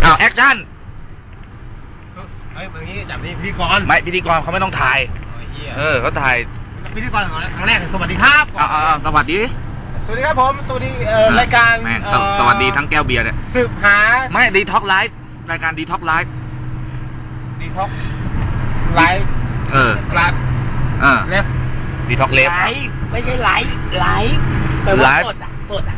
อ้าวแอคชั่นอย่างนี้จับนี่พิธีกรไม่พิธีกรเขาไม่ต้องถ่ายเขาถ่ายพิธีกรครั้งแรกสวัสดีครับสวัสดีครับผมสวัสดีรายการสวัสดีทั้งแก้วเบียร์เนี่ยสืบหาไม่ดีท็อกไลฟ์รายการดีท็อกไลฟ์ดีท็อกไลฟ์ไลฟ์เลฟดีท็อกเลฟไม่ใช่ไลฟ์ไลฟ์สด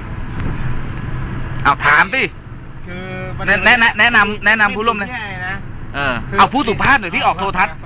เอาถามสิคือแนะนำผู้ร่วมเลยเอาผู้สุภาพหน่อยที่ออกโทรทัศน์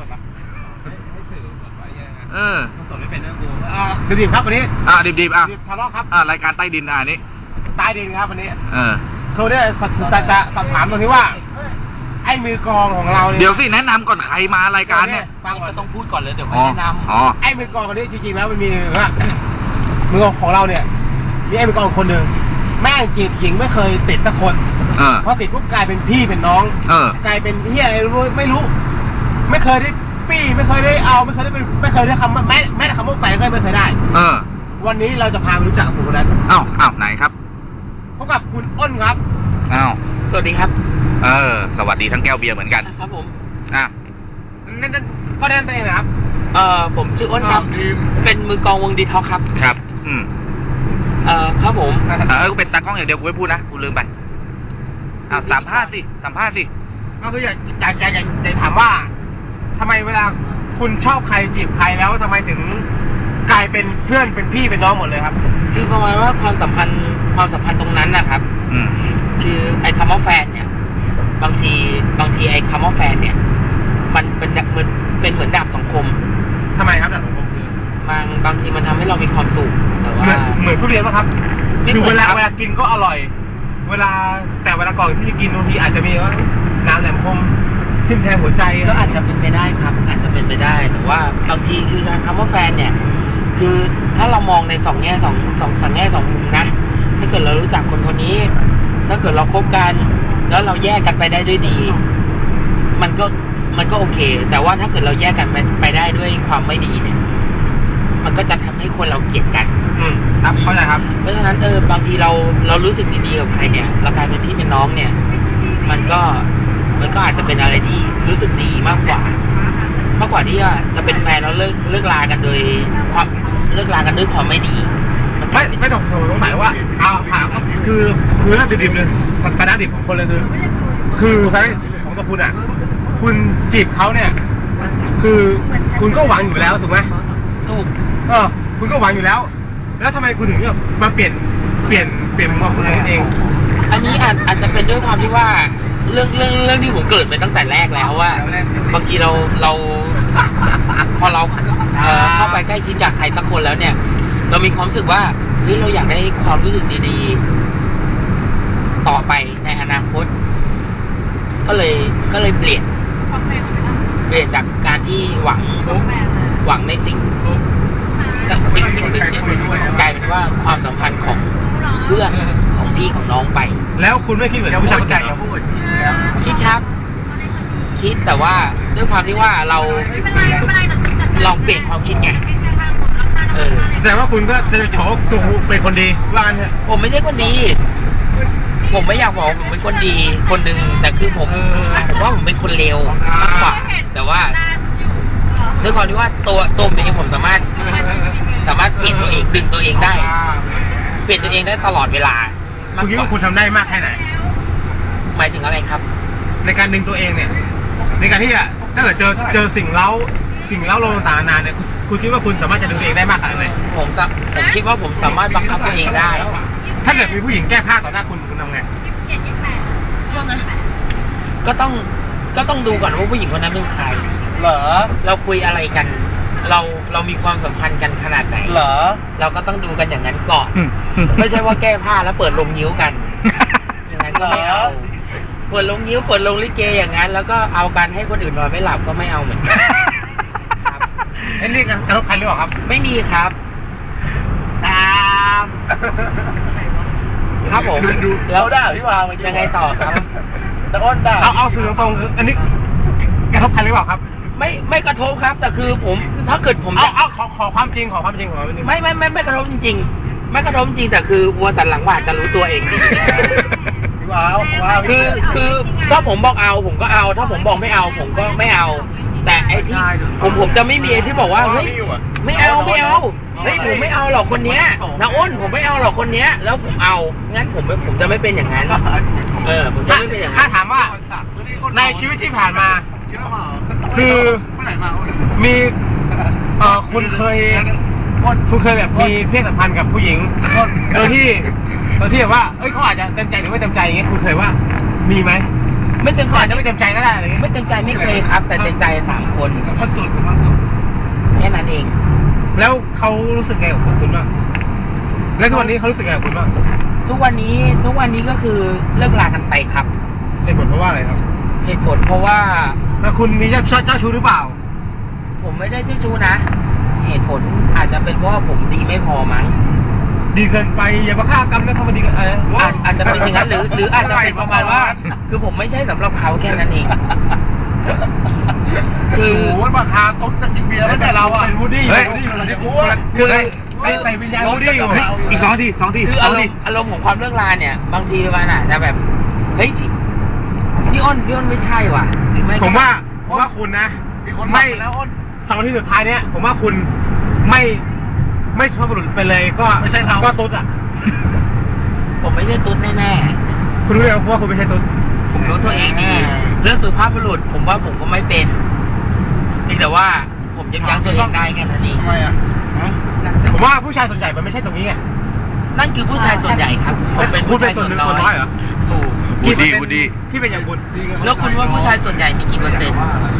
สดไม่เป็นนะกูดิบครับวันนี้ดิบชาล็อกครับรายการใต้ดินนี้ใต้ดินครับวันนี้เขาได้จะสอบถามตรงที่ว่าไอ้มือกองของเราเนี่ยเดี๋ยวสิแนะนำก่อนใครมารายการเนี่ยฟังก็ต้องพูดก่อนเลยเดี๋ยวแนะนำไอ้มือกองคนนี้จริงๆแล้วมันมีว่ามือกองของเราเนี่ยมีไอ้มือกองคนหนึ่งแม่งจีบหญิงไม่เคยติดสักคนพอติดปุ๊บกลายเป็นพี่เป็นน้องกลายเป็นเฮียอะไรไม่รู้ไม่เคยได้ปี้ไม่เคยได้เอาไม่เคยได้คำแม้แต่คำว่าแฟนก็ไม่เคยได้วันนี้เราจะพาไปรู้จักกับผู้คนนั้นอ้าวไหนครับพบกับคุณอ้นครับสวัสดีครับสวัสดีทั้งแก้วเบียร์เหมือนกันครับผมนั่นก็แนะนำตัวเองนะครับผมชื่ออ้นครับเป็นมือกองวงดีท็อกครับครับครับผมกูเป็นตากล้องอย่างเดียวกูไม่พูดนะกูลืมไปสัมภาษณ์สิก็คืออยากถามว่าทำไมเวลาคุณชอบใครจีบใครแล้วทำไมถึงกลายเป็นเพื่อนเป็นพี่เป็นน้องหมดเลยครับคือประมาณว่าความสัมพันธ์ตรงนั้นนะครับคือไอ้คำว่าแฟนเนี่ยบางทีไอ้คำว่าแฟนเนี่ยมันเป็นเหมือนดาบสองคมทำไมครับดาบสองคมคือบางทีมันทำให้เรามีความสุขแต่ว่าเหมือนทุเรียนป่ะครับคือเวลากินก็อร่อยเวลาก่อนที่จะกินบางทีอาจจะมีว่าน้ำแหลมคมทิ่มแทงหัวใจก็อาจจะเป็นไปได้ครับอาจจะเป็นไปได้แต่ว่าบางทีคือคำว่าแฟนเนี่ยคือถ้าเรามองในสองแง่สองมุมนะถ้าเกิดเรารู้จักคนนี้ถ้าเกิดเราคบกันแล้วเราแยกกันไปได้ด้วยดีมันก็โอเคแต่ว่าถ้าเกิดเราแยกกันไปได้ด้วยความไม่ดีเนี่ยมันก็จะทำให้คนเราเกลียดกันครับเข้าใจครับเพราะฉะนั้นบางทีเรารู้สึกดีๆกับใครเนี่ยเรากลายเป็นพี่เป็นน้องเนี่ยมันก็อาจจะเป็นอะไรที่รู้สึกดีมากกว่าที่จะเป็นแฟนแล้วเลิกลากันด้วยความไม่ดีไม่ต้องสงสัยว่าถามคือเรื่องดิบๆเลยสาระดิบของคนเลยคือสาระของตัวคุณอ่ะคุณจีบเขาเนี่ยคือคุณก็หวังอยู่แล้วถูกไหมถูกคุณก็หวังอยู่แล้วทำไมคุณถึงมาเปลี่ยนมุมมองของคุณเองอันนี้อาจจะเป็นด้วยความที่ว่าเรื่องที่ผมเกิดไปตั้งแต่แรกแล้วว่าบางทีเราพอเราเข้าไปใกล้ชิดกับใครสักคนแล้วเนี่ยเรามีความรู้สึกว่าเฮ้ยเราอยากได้ความรู้สึกดีๆต่อไปในอนาคตก็เลยเปลี่ยนจากการที่หวังในสิ่งหนึ่งเนี่ยกลายเป็นว่าความสัมพันธ์ของเพื่อนของพี่ของน้องไปแล้วคุณไม่คิดเหมือนผู้ชายคนนั้นคิดครับคิดแต่ว่าด้วยความที่ว่าเราลองเปลี่ยนความคิดไงแสดงว่าคุณก็จะบอกว่าตัวเป็นคนดีว่างั้นเถอะผมไม่ใช่คนดีผมไม่อยากบอกผมเป็นคนดีคนหนึ่งแต่คือผมว่าผมเป็นคนเลวมากกว่าแต่ว่าด้วยความที่ว่าตัวผมเองผมสามารถเปลี่ยนตัวเองดึงตัวเองได้เปลี่ยนตัวเองได้ตลอดเวลาคุณคิดว่าคุณทำได้มากแค่ไหนหมายถึงอะไรครับในการดึงตัวเองเนี่ยในการที่ถ้าเกิดเจอสิ่งเล้าลงต่างๆนานเนี่ยคุณคิดว่าคุณสามารถจะดึงตัวเองได้มากขนาดไหนผมคิดว่าผมสามารถบังคับตัวเองได้ถ้าเกิดมีผู้หญิงแก้ผ้าต่อหน้าคุณทำไงก็ต้องดูก่อนว่าผู้หญิงคนนั้นเป็นใครเหรอเราคุยอะไรกันเรามีความสัมพันธ์กันขนาดไหนเหรอเราก็ต้องดูกันอย่างนั้นก่อนไม่ใช่ว่าแก้ผ้าแล้วเปิดลงนิ้วกันอย่างนั้นก็ไม่เอาเปิดลงนิ้วเปิดลงลิเกอย่างนั้นแล้วก็เอากันให้คนอื่นนอนไม่หลับก็ไม่เอาเหมือนกันครับนี่กระทบใครหรือเปล่าครับไม่มีครับครับผมแล้วได้พี่วางยังไงต่อครับตะอ้นได้เอาสื่อตรงๆอันนี้กระทบใครหรือเปล่าครับไม่กระทบครับแต่คือผมถ้าเกิดผมเอาขอความจริงไม่กระทบจริงๆไม่กระทบจริงแต่คือวัวสันหลังหวานจะรู้ตัวเองคือถ้าผมบอกเอาผมก็เอา ถ้าผมบอกไม่เอาผมก็ไม่เอา แต่ไอ้ที่ผมจะไม่มีไอ้ที่บอกว่าเฮ้ยไม่เอาเฮ้ยผมไม่เอาหรอกคนเนี้ยนะอ้นผมไม่เอาหรอกคนเนี้ยแล้วผมเอางั้นผมจะไม่เป็นอย่างนั้นผมจะไม่เป็นอย่างนั้นถ้าถามว่าในชีวิตที่ผ่านมา คือมีคุณเคยแบบมีเพศสัมพันธ์กับผู้หญิงโดยที่แบบว่าเอ้ยเขาอาจจะเต็มใจหรือไม่เต็มใจอย่างเงี้ยคุณเคยว่ามีไหมไม่เต็มใจอาจจะไม่เต็มใจก็ได้อะไรเงี้ยไม่เต็มใจไม่เคยครับ แต่เต็มใจ3 คนมันสุดแค่นั้นเองแล้วเขารู้สึกไงกับคุณบ้างแล้วทุกวันนี้เขารู้สึกไงกับคุณบ้างทุกวันนี้ก็คือเลิกลากันไปครับเหตุผลเพราะว่าอะไรครับเหตุผลเพราะว่าแล้วคุณมีเจ้าชู้หรือเปล่าผมไม่ได้เจ้าชู้นะ เหตุผลอาจจะเป็นเพราะว่าผมดีไม่พอมั้งดีเกินไปอย่ามาฆ่ากรรมนะเขามาดีกันอะไรอาจจะเป็นอย่างนั้นหรืออาจจะเป็นประมาณว่า คือผมไม่ใช่สำหรับเขาแค่นั้นเอง คือโอ้ยมาทาตุ๊ดกินเบียร์แล้วแต่เราอ่ะเป็นวูดดี้เฮ้ยคือใส่วิญญาณวูดดี้อยู่อีก2 ทีคืออารมณ์ของความเลิกลาเนี่ย บางทีมันอาจจะแบบเฮ้ยพี่อ้นไม่ใช่ว่ะหรือไม่ก็ผมว่าคุณนะไม่2 ที่สุดท้ายเนี้ยผมว่าคุณไม่สุภาพบุรุษไปเลยก็ไม่ใช่ก็ตุ๊ดอ่ะผมไม่ใช่ตุ๊ดแน่คุณรู้ไหมว่าคุณไม่ใช่ตุ๊ดๆผมรู้ตัวเองดีเรื่องสุภาพบุรุษผมว่าผมก็ไม่เป็นเพียงแต่ว่าผมยับยั้งตัวเองได้แค่นั้นเองทำไมอ่ะผมว่าผู้ชายส่วนใหญ่มันไม่ใช่ตรงนี้ไงนั่นคือผู้ชายส่วนใหญ่ครับผมเป็นผู้ชายส่วนน้อยเหรอถูกวูดดี้ที่เป็นอย่างคุณแล้วคุณว่าผู้ชายส่วนใหญ่มีกี่เปอร์เซ็นต์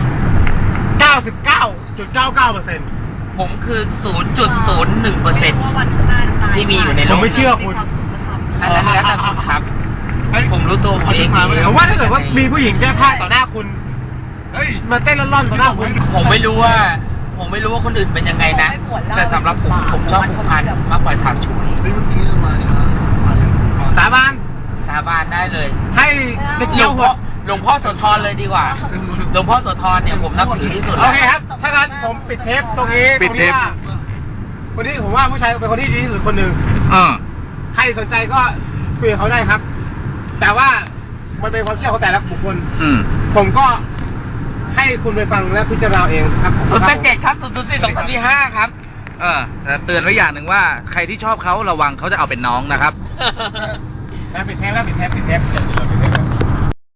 99.99% ผมคือ 0.01% ที่มีอยู่ในโลผมกไม่เชื่อคุณอันนั้นแล้วแต่คุณครับ ผมรู้ตัวผมเองดีผมว่าถ้าเกิดว่ามีผู้หญิงแก้ผ้าต่อหน้าคุณเฮ้ยมาเต้นร่อนๆต่อหน้าคุณผมไม่รู้ว่าคนอื่นเป็นยังไงนะ แต่สำหรับผมชอบผูกพันมากกว่าฉาบฉวยสาบานสาบานได้เลยให้หลวงพ่อโสธรเลยดีกว่า หลวงพ่อโสธรเนี่ยผมนับถือที่สุดโอเคครับ ถ้างั้นผมปิดเทปตรงนี้ปิดเทปคนนี้ผมว่าผู้ชายเป็นคนที่ดีที่สุดคนหนึ่งอ่าใครสนใจก็คุยกับเขาได้ครับ แต่ว่ามันเป็นความเชื่อของแต่ละบุคคล ผมก็ให้คุณไปฟังและพิจารณาเองครับ 087ครับ004 235ครับแต่เตือนไว้อย่างหนึ่งว่าใครที่ชอบเขาระวังเขาจะเอาเป็นน้องนะครับปิดเทปแล้วปิดเทป